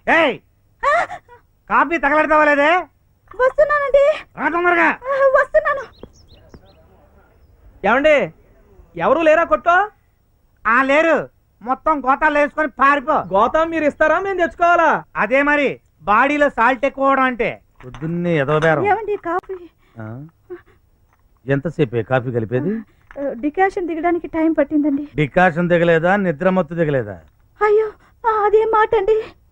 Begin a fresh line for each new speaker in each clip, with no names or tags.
ఏయ్ కాఫీ తగలెడతావా లేదే?
వస్తున్నానండి.
తొందరగా
వస్తున్నాను.
ఏమండి ఎవరు లేరా కొట్టో?
లేరు, మొత్తం గోతాలు వేసుకొని పారిపో.
గోతం మీరు ఇస్తారా మేము తెచ్చుకోవాలా?
అదే మరి బాడీలో సాల్ట్ ఎక్కువ అంటే. పొద్దున్నే ఎదవబేరం.
ఏమండి కాఫీ?
ఎంతసేపే కాఫీ కలిపేది?
డికాషన్ దిగడానికి టైం పట్టిందండి.
డికాషన్ దిగలేదా? నిద్ర మత్తు దిగలేదా?
అయ్యో అదేం మాట అండి.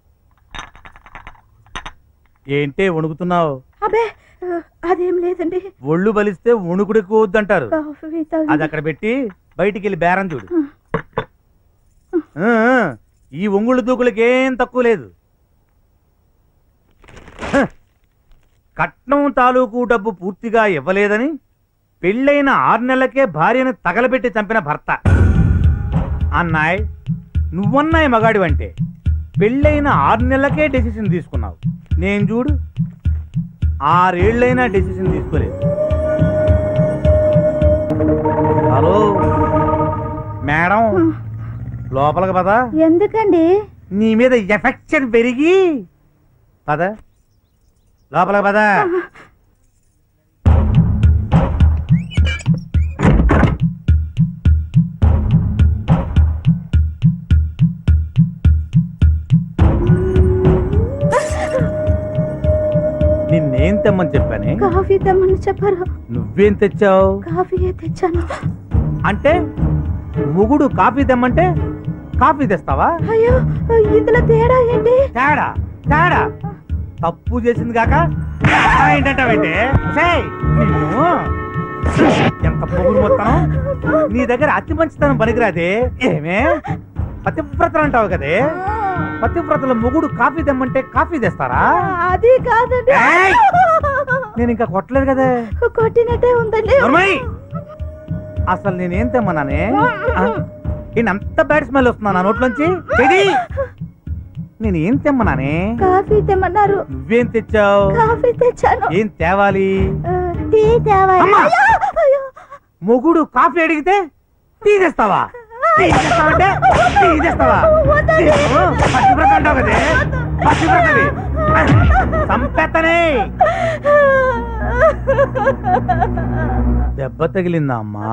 ఏంటే వణుకుతున్నావు?
అబే అదేం లేదండి.
ఒళ్ళు బలిస్తే వణుకుడు ఎక్కువ వద్దంటారు.
కాఫీ
అది అక్కడ పెట్టి బయటికి వెళ్ళి బేరం చూడు. ఈ ఒంగుళ్ళు దూకులకి ఏం తక్కువ లేదు. కట్నం తాలూకు డబ్బు పూర్తిగా ఇవ్వలేదని పెళ్ళైన 6 నెలలకే భార్యను తగలబెట్టి చంపిన భర్త. అన్నాయ్, నువ్వన్నాయి మగాడివంటే పెళ్ళైన 6 నెలలకే డెసిషన్ తీసుకున్నావు. నేను చూడు 6 ఏళ్ళైనా డెసిషన్ తీసుకోలేదు. హలో మేడం, లోపలికి పద.
ఎందుకండి?
నీ మీద ఎఫెక్షన్ పెరిగి పద, లోపలికి పద. నిన్నేం తెమ్మని చెప్పానే?
కాఫీ తెమ్మని చెప్పారు.
నువ్వేం తెచ్చావు?
కాఫీయే తెచ్చాను.
అంటే మొగుడు కాఫీ తెమ్మంటే కాఫీ తెస్తావా?
అయ్యో ఇందులో తేడా ఏంటి?
తేడా తేడా తప్పు చేసింది కాక ఏంటంటే నిన్ను ఎంత పొగురు మొత్తం. నీ దగ్గర అతి మంచితనం పనికిరాదే. ఏమే పతివ్రతలు అంటావు కదే, పతివ్రతల మొగుడు కాఫీ తెమ్మంటే కాఫీ తెస్తారా?
అది కాదండి.
నేను ఇంకా కొట్టలేదు కదే.
కొట్టినట్టే ఉందండి.
అసలు నేనేం తెమ్మన్నానే? అంత బ్యాడ్ స్మెల్ వస్తున్నా నా నోట్లోంచి. నేనేం తెమ్మన్నానే?
కాఫీ తెమ్మన్నారు.
నువ్వేం తెచ్చావు?
కాఫీ తెచ్చాను.
ఏం తేవాలి?
టీ తేవాలి.
మొగుడు కాఫీ అడిగితే టీ తెస్తావా? టీ తెస్తావంటే టీ తెస్తావా? పతివ్రత అంటావు కదే, పతివ్రతవి. సంపెత్తనే దెబ్బ తగిలిందా అమ్మా?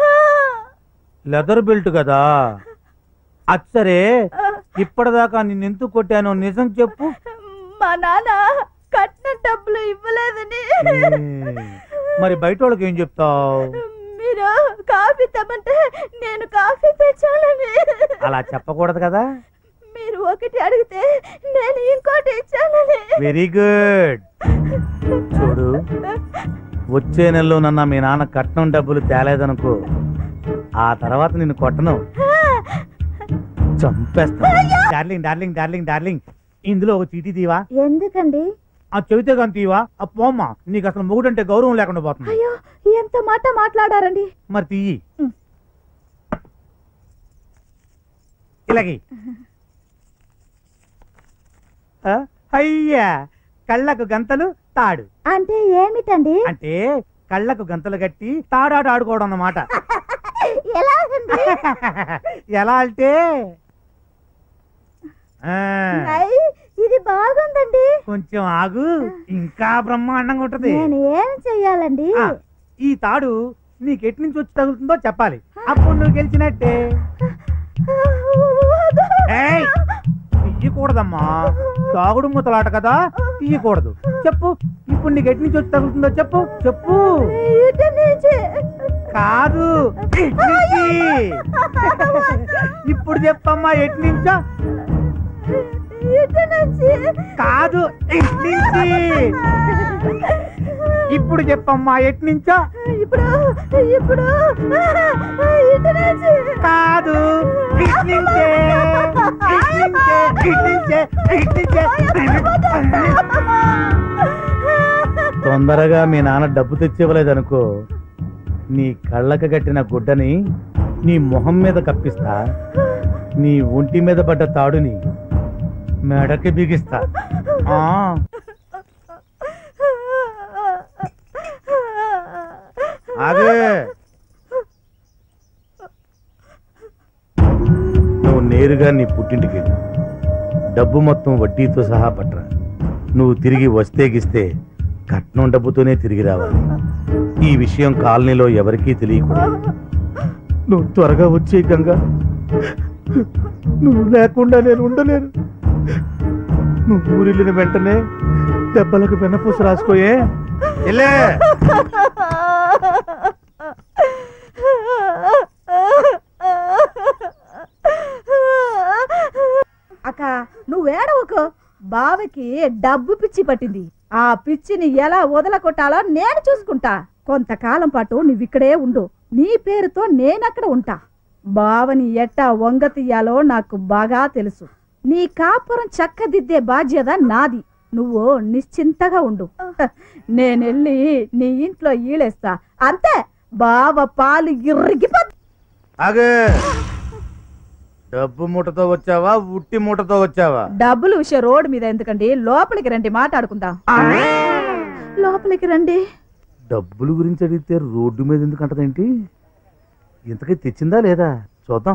లెదర్ బెల్ట్ కదా. అచ్చరే ఇప్పటిదాకా నిన్నెందుకు కొట్టానో నిజం చెప్పు.
మా నాన్న కట్న డబ్బులు ఇవ్వలేదని.
మరి బయట వాళ్ళకి ఏం చెప్తావు?
మీరు కాఫీ తెమ్మంటే నేను కాఫీ తెచ్చానని.
అలా చెప్పకూడదు కదా.
మీరు ఒకటి అడిగితే నేను ఇంకోటి ఇచ్చానని.
Very good. చూడు, వచ్చే నెలలో నన్న మీ నాన్న కట్నం డబ్బులు తేలేదనుకో, ఆ తర్వాత నిన్ను కొట్టను, చంపేస్తా. డార్లింగ్ డార్లింగ్ డార్లింగ్ డార్లింగ్, ఇందులో ఒక చీటీ తీవా?
ఎందుకండి?
ఆ చెబితే కానీ తీవా? పోమ్మా, నీకు అసలు మొగుడంటే గౌరవం లేకుండా పోతుంది.
అయ్యో ఎంత మాట మాట్లాడారండి.
మరి తీయి. ఇలాగే అయ్యా, కళ్ళకు గంతలు తాడు
అంటే ఏమిటండి?
అంటే కళ్ళకు గంతలు కట్టి తాడాట ఆడుకోవడం అన్నమాట. ఎలా అంటే
ఇది బాగుందండి.
కొంచెం ఆగు, ఇంకా బ్రహ్మాండంగా ఉంటది.
నేను ఏం చెయ్యాలండి?
ఈ తాడు నీకు ఎటు నుంచి వచ్చి తగులుతుందో చెప్పాలి, అప్పుడు నువ్వు గెలిచినట్టే. తీయకూడదమ్మా, తాగుడు ముతలాట కదా, తీయకూడదు. చెప్పు, ఇప్పుడు నీకు ఎటు నుంచి వచ్చి తగులుతుందో చెప్పు. చెప్పు. కాదు, ఇప్పుడు చెప్పమ్మా, ఎటు నుంచో. కాదు, నుంచి. ఇప్పుడు చెప్పమ్మా, ఎటు నుంచో.
ఇప్పుడు ఇప్పుడు
కాదు, తొందరగా మీ నాన్న డబ్బు తెచ్చివ్వలేదనుకో, నీ కళ్ళకు కట్టిన గుడ్డని నీ మొహం మీద కప్పిస్తా, నీ ఒంటి మీద పడ్డ తాడుని మెడకి బిగిస్తా. ఆగే, నువ్వు నేరుగా నీ పుట్టింటికి డబ్బు మొత్తం వడ్డీతో సహా పట్రా. నువ్వు తిరిగి వస్తే గిస్తే కట్నం డబ్బుతోనే తిరిగి రావాలి. ఈ విషయం కాలనీలో ఎవరికీ తెలియకూడదు. నువ్వు త్వరగా వచ్చే గంగా, నువ్వు లేకుండా నేను ఉండలేను. నువ్వు ఊరిల్లిన వెంటనే దెబ్బలకు వెన్నపూస రాసుకోయే. వెళ్ళే.
అక్క నువ్వేడవకు. బావకి డబ్బు పిచ్చి పట్టింది. ఆ పిచ్చిని ఎలా వదలకొట్టాలో నేను చూసుకుంటా. కొంతకాలం పాటు నువ్విక్కడే ఉండు. నీ పేరుతో నేనక్కడ ఉంటా. బావని ఎట్టా వంగ తీయాలో నాకు బాగా తెలుసు. నీ కాపురం చక్కదిద్దే బాధ్యత నాది. నువ్వు నిశ్చింతగా ఉండు. నేనెళ్ళి నీ ఇంట్లో ఈలేస్తా. అంతే. బావ పాలు ఇరిగిపో.
ఆగే. డబ్బు మూటతో వచ్చావా, ఉట్టి మూటతో వచ్చావా?
డబ్బుల విషయం రోడ్డు మీద ఎందుకండి, లోపలికి రండి, మాట్లాడుకుందాం. లోపలికి రండి.
డబ్బుల గురించి అడిగితే రోడ్డు మీద ఎందుకు అంటదేంటి? ఇంతకీ తెచ్చిందా లేదా చూద్దాం.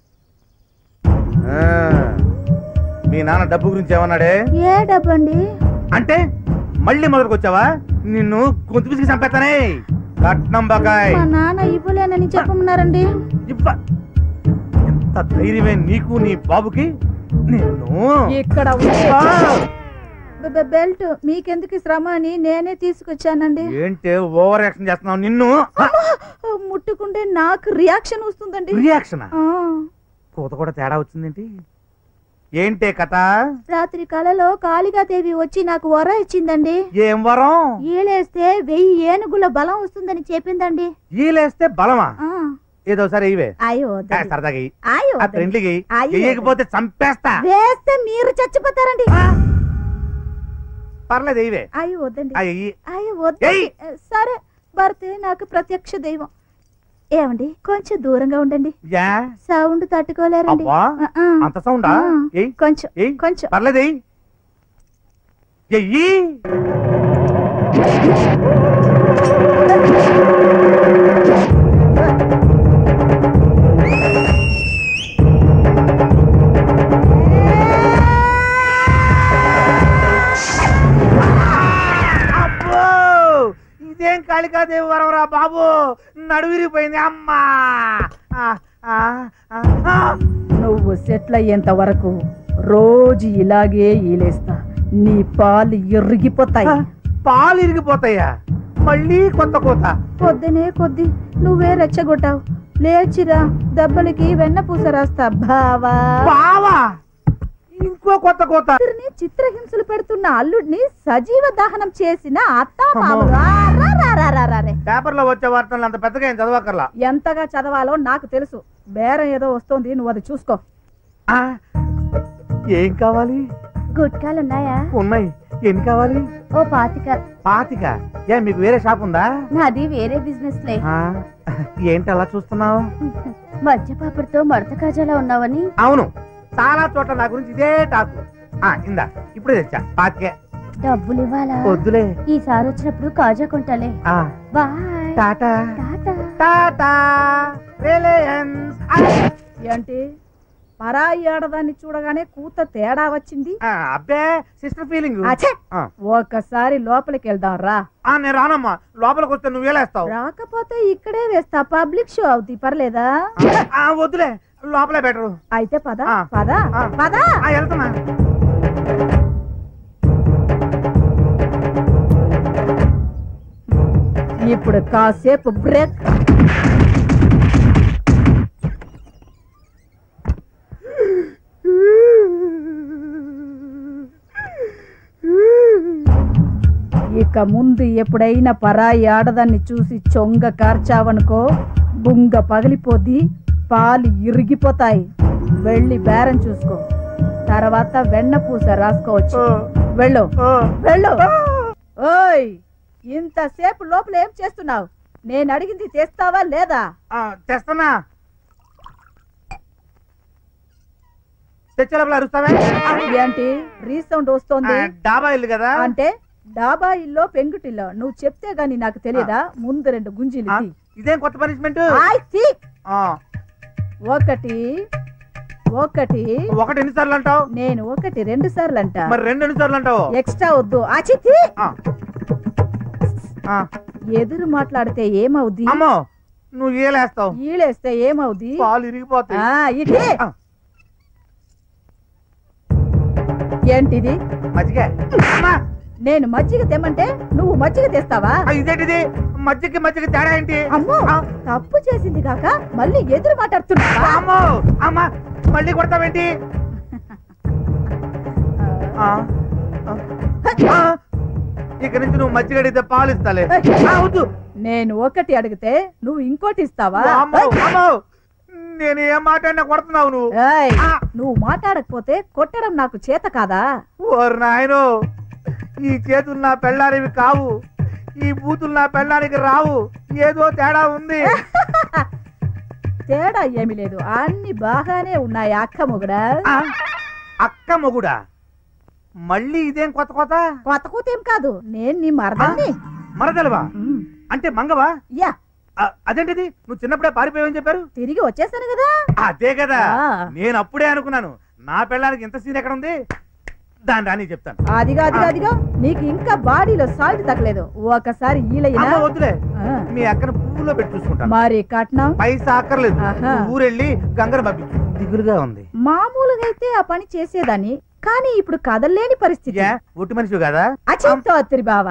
మీ నాన్న డబ్బు గురించి ఏమన్నాడే?
ఏ డబ్బు అండి?
అంటే మళ్ళీ మొదలుకు వచ్చావా? నిన్ను గొంతు పిసికి చంపేస్తానే. కట్నం బకాయ్
మా నాన్న ఇవ్వలేనని చెప్పమన్నారండి.
ఎంత ధైర్యమే నీకు నీ బాబుకి? నిన్ను
ఇక్కడ బెల్ట్ మీకెందుకు శ్రమ అని నేనే తీసుకొచ్చానండి.
ఏంటి ఓవర్ యాక్షన్ చేస్తున్నావు? నిన్ను
ముట్టుకుంటే నాకు రియాక్షన్ వస్తుందండి.
రియాక్షన్? కూత కూడా తేడా వచ్చిందేంటి? ఏంటే కథ?
రాత్రి కలలో కాళికాదేవి వచ్చి నాకు వరం ఇచ్చిందండి.
ఏం వరం?
ఈలేస్తే 1000 ఏనుగుల బలం వస్తుందని చెప్పిందండి.
ఈలేస్తే బలమా? ఏదో సరే ఇవే.
అయ్యో
సరదాగా
అయ్యో
ఫ్రెండ్లీకి వేయకపోతే చంపేస్తా.
వేస్తే మీరు చచ్చిపోతారండి.
పర్లేదు ఇవే.
అయ్యో వద్దండి.
అయ్యి
అయ్యో వద్దండి. సరే భర్తే నాకు ప్రత్యక్ష దైవం. ఏమండి కొంచెం దూరంగా ఉండండి. సౌండ్ తట్టుకోలేరండి.
అంత సౌండా?
కొంచెం కొంచెం
పర్లేదు. ఇదేం కాళికాదేవి వరవరా బాబు, నడువిరిపోయింది. అమ్మా
నువ్వు సెటిల్ అయ్యేంత వరకు రోజు ఇలాగే ఈలేస్తా. నీ పాలు ఇరిగిపోతాయి.
పాలు ఇరిగిపోతాయా? మళ్ళీ కొత్త కోత?
పొద్దునే కొద్ది నువ్వే రెచ్చగొట్టావు. లేచిరా, దెబ్బలకి వెన్నపూస రాస్తా. బావా
బావా ఇంకో కొత్త కోత.
చిత్రహింసలు పెడుతున్న అల్లుడిని సజీవ దహనం చేసిన అత్త
పేపర్లో వచ్చే వార్తలు అంత పెద్దగా ఏం చదవకర్లా.
ఎంతగా చదవాలో నాకు తెలుసు. బేరం ఏదో వస్తోంది, నువ్వు అది చూసుకో.
ఏం కావాలి?
గుట్కాలున్నాయా?
ఉన్నాయి. ఎన్ని కావాలి?
ఓ 25.
25? ఏ మీకు వేరే షాప్ ఉందా?
నాది వేరే బిజినెస్ లే.
ఏంటి అలా చూస్తున్నావు?
మధ్యపాపడితో మడత కాజాలా ఉన్నావని.
అవును, చాలా చోట్ల నా గురించి ఇదే టాకు. ఇందా ఇప్పుడే తెచ్చా. 25.
డబ్బులు ఇవ్వాలా?
వద్దులే,
ఈసారి వచ్చినప్పుడు కాజా కొంటాలే. బాయ్.
టాటా టాటా రిలయన్స్. ఏంటి పరాయి ఆడదాన్ని చూడగానే కూత తేడా వచ్చింది? అబ్బే సిస్టర్ ఫీలింగ్. ఒకసారి లోపలికి వెళ్దాం రా. నేను రానమ్మా. లోపలికి వస్తే నువ్వు వేలేస్తావు. రాకపోతే ఇక్కడే వేస్తా. పబ్లిక్ షో అవుతుంది, పర్లేదా? వద్దులే, లోపలే బెటరు. అయితే పద పద పద. వెళ్తున్నా. ఇప్పుడు కాసేపు బ్రేక్. ఇక ముందు ఎప్పుడైనా పరాయి ఆడదాన్ని చూసి చొంగ కార్చావనుకో, బుంగ పగిలిపోద్ది, పాలు ఇరిగిపోతాయి. వెళ్ళి బేరం చూసుకో, తర్వాత వెన్నపూస రాసుకోవచ్చు. వెళ్ళు వెళ్ళు. ఓయ్, ఇంతసేపు లోపల ఏం చేస్తున్నావు? నేను అడిగింది తెస్తావా లేదా? తెస్తున్నా. ఏంటి రీసౌండ్ వస్తోంది? డాబా ఇల్లు కదా. అంటే డాబా ఇల్లో పెంకుటిల్లో. నువ్వు చెప్తే గాని నాకు తెలియదా? ముందు 2 గుంజీలు. ఇదేం కొత్త పనిష్మెంట్? 1
ఒకటి
ఒకటి ఎన్నిసార్లు అంటావు?
నేను ఒకటి 2 సార్లు అంట.
మరి 2 ఎన్నిసార్లు అంటావు?
ఎక్స్ట్రా వద్దు. అచితి
ఆ. ఆ.
ఎదురు మాట్లాడితే ఏమవుద్ది?
అమ్మో నువ్వు ఏలేస్తావు,
ఈలేస్తే ఏమవుద్ది?
పాలు ఇరిగిపోతాయి.
ఇదే
ఆ.
ఏంటిది?
మజ్జిగ. అమ్మా,
నేను మజ్జిగ తెమ్మంటే నువ్వు మజ్జిగ తెస్తావా?
ఇదేంటిది? మజ్జిగ తేడా ఏంటి?
అమ్మో
ఆ.
తప్పు చేసింది కాక మళ్ళీ ఎదురు మాట్లాడుతున్నావా?
అమ్మో అమ్మా మళ్ళీ కొడతావేంటి? ఆ. ఆ. ఇక నుంచి నువ్వు మజ్జిగ అడిగితే పాలు ఇస్తాలే. వద్దు.
నేను ఒకటి అడిగితే నువ్వు ఇంకోటి ఇస్తావా?
అమ్మో, అమ్మో. నేను ఏం మాట్లాడినా కొడుతున్నావు నువ్వు.
ఏయ్,
ఆ.
నువ్వు మాట్లాడకపోతే కొట్టడం నాకు చేత కాదా?
ఓరు నాయనో, ఈ చేతులు నా పెళ్ళానివి కావు, ఈ బూతులు నా పెళ్ళానికి రావు. ఏదో తేడా ఉంది.
తేడా ఏమీ లేదు, అన్ని బాగానే ఉన్నాయి అక్క మొగుడా.
ఆ, అక్క మొగుడా? మళ్ళీ ఇదేం కొత్త కొత్త?
కొత్త కూతేం కాదు, నేను నీ మరదల్ని.
మరదలవా?
ఉమ్,
అంటే మంగవా?
యా
అదేంటిది? నువ్వు చిన్నప్పుడే పారిపోయావని చెప్పారు.
తిరిగి వచ్చేసాను కదా.
అదే కదా,
ఆ.
నేను అప్పుడే అనుకున్నాను నా పెళ్ళానికి ఇంత సీన్ ఎక్కడ ఉంది. దాని రాని చెప్తాను.
అదిగా నీకు ఇంకా బాడీలో సాల్ట్ తగ్గలేదు. ఒకసారి ఈలయ్యనా?
అమ్మ వద్దులే,
ఆ,
మీ అక్కను పువ్వులో పెట్టి చూసుకుంటాను.
మరి కట్నం
పైసా అక్కర్లేదు.
ఆహా.
నువ్వు ఊరెళ్ళి గంగను పంపించు. దిగులుగా ఉంది.
మామూలుగా అయితే ఆ పని చేసేదాన్ని, కానీ ఇప్పుడు కదల్లేని పరిస్థితి.
ఒట్టి మనిషి కదా?
అచింతో అత్తిరి బావ.